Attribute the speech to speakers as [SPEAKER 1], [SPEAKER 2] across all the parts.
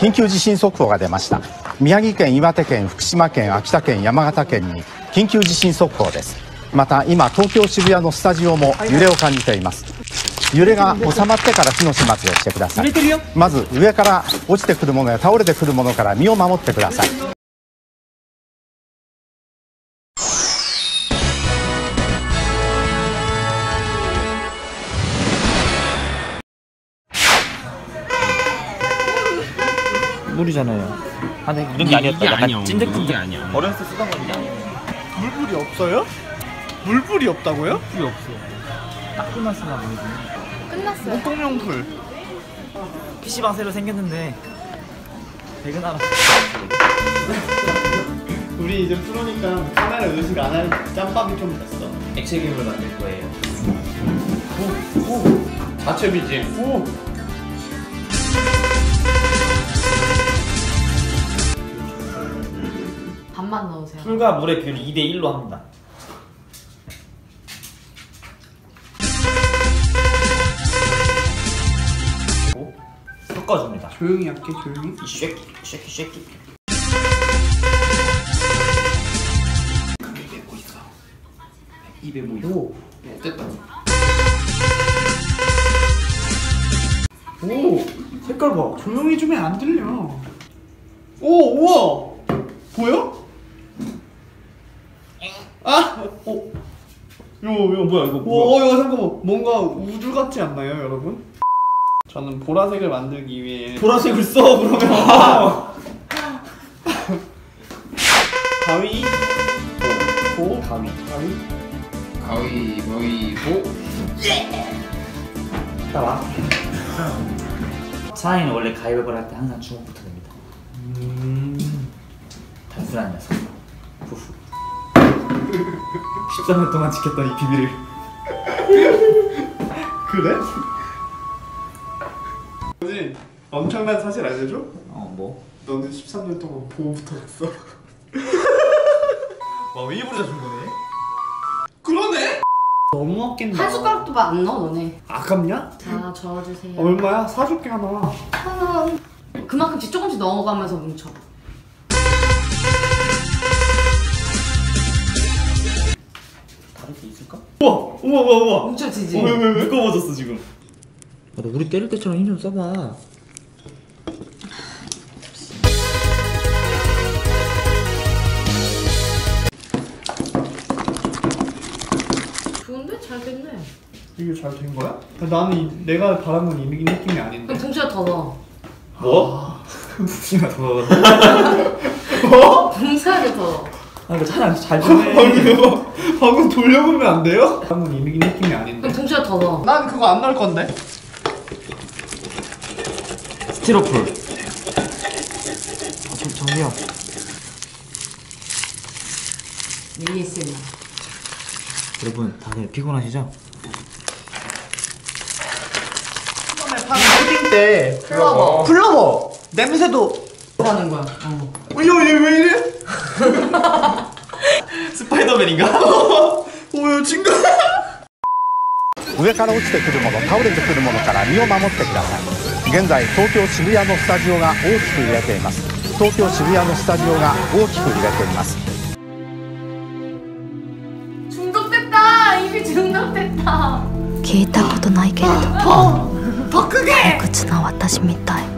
[SPEAKER 1] 緊急地震速報が出ました。宮城県、岩手県、福島県、秋田県、山形県に緊急地震速報です。また今東京渋谷のスタジオも揺れを感じています。揺れが収まってから火の始末をしてください。まず上から落ちてくるものや倒れてくるものから身を守ってください。
[SPEAKER 2] 물이잖아요. 안에 묻은 게 아니었다. 약간 찐득찐득. 어렸을 때 쓰던 건데.
[SPEAKER 3] 물불이 없어요? 물불이 없다고요?
[SPEAKER 2] 물이 없어. 딱 끝났으나 보이지.
[SPEAKER 4] 끝났어요.
[SPEAKER 3] 목동용불.
[SPEAKER 2] PC방 새로 생겼는데 배그나라.
[SPEAKER 3] 우리 이제 프로니까 카메라 의식 안 할 짬밥이 좀 됐어.
[SPEAKER 2] 액체괴물 만들 거예요.
[SPEAKER 3] 오. 자체 BGM. 오.
[SPEAKER 4] 반만 넣으세요.
[SPEAKER 2] 술과 물의 비율이 2대1로 합니다. 섞어줍니다.
[SPEAKER 3] 조용히 할게, 조용히.
[SPEAKER 2] 이 쉐키.
[SPEAKER 3] 크게 내고 있어.
[SPEAKER 2] 입에 뭐 있어?
[SPEAKER 3] 오, 됐다. 오, 색깔 봐. 조용히 좀 해, 안 들려. 오, 우와. 보여? 아, 오.
[SPEAKER 2] 이거 뭐야 이거?
[SPEAKER 3] 오, 이거 잠깐만. 뭔가 우주 같지 않나요, 여러분? 저는 보라색을 만들기 위해
[SPEAKER 2] 보라색을 써 그러면.
[SPEAKER 3] 가위, 보,
[SPEAKER 2] 가위.
[SPEAKER 3] 가위바위보.
[SPEAKER 2] 따라. 사장님은 원래 가위바위보를 할 때 항상 주먹부터 냅니다. 단순한 녀석. 후후. 13년 동안 지켰던 이 비밀을.
[SPEAKER 3] 그래? 너는 엄청난 사실 알려줘?
[SPEAKER 2] 뭐?
[SPEAKER 3] 너는 13년 동안 보호부터 했어.
[SPEAKER 2] 와 일부러 다 준 거네?
[SPEAKER 3] 그러네? 너무 아낀다.
[SPEAKER 4] 한 숟가락도 안 넣어 너네.
[SPEAKER 3] 아깝냐?
[SPEAKER 4] 자 저어주세요.
[SPEAKER 3] 얼마야? 사줄게 하나.
[SPEAKER 4] 그만큼씩 조금씩 넣어가면서 뭉쳐.
[SPEAKER 2] 다를 게 있을까?
[SPEAKER 3] 우와.
[SPEAKER 4] 뭉쳐지지?
[SPEAKER 3] 왜?
[SPEAKER 2] 무거워졌어 지금. 너 우리 때릴 때처럼 힘 좀 써봐.
[SPEAKER 4] 좋은데? 잘 됐네.
[SPEAKER 3] 이게 잘 된 거야? 나는 내가 바란 건 이 느낌이 아닌데.
[SPEAKER 4] 그럼 붕치가 더 넣어.
[SPEAKER 2] 뭐? 붕치가 더 넣어.
[SPEAKER 3] 뭐?
[SPEAKER 4] 붕치를 더 넣어.
[SPEAKER 2] 아 이거 차라리 잘 주네.
[SPEAKER 3] 방금 돌려보면 안 돼요? 바란 건이 느낌이 아닌데.
[SPEAKER 4] 그럼 붕치가 더 넣어.
[SPEAKER 3] 난 그거 안 넣을 건데.
[SPEAKER 2] 스티로폴. 정리요.
[SPEAKER 4] ASMR.
[SPEAKER 2] 여러분 다들 피곤하시죠?
[SPEAKER 3] 처음에 파는 푸딩 때
[SPEAKER 4] 플러버.
[SPEAKER 3] 플러버 냄새도
[SPEAKER 4] 하는 거야.
[SPEAKER 3] 얘 왜 이래?
[SPEAKER 2] 스파이더맨인가?
[SPEAKER 3] 뭐야 친구.
[SPEAKER 1] 上から落ちてくるもの、倒れてくるものから身を守ってください。現在東京渋谷のスタジオが大きく揺れています。東京渋谷のスタジオが大きく揺れています。
[SPEAKER 4] 중독됐다. 입이 중독됐다.
[SPEAKER 5] 聞いたことないけれど
[SPEAKER 4] 더 크게.
[SPEAKER 5] 退屈な私みたい。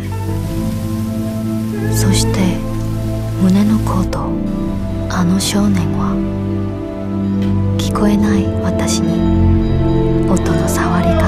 [SPEAKER 5] そして胸のコート、あの少年は聞こえない私に音の触り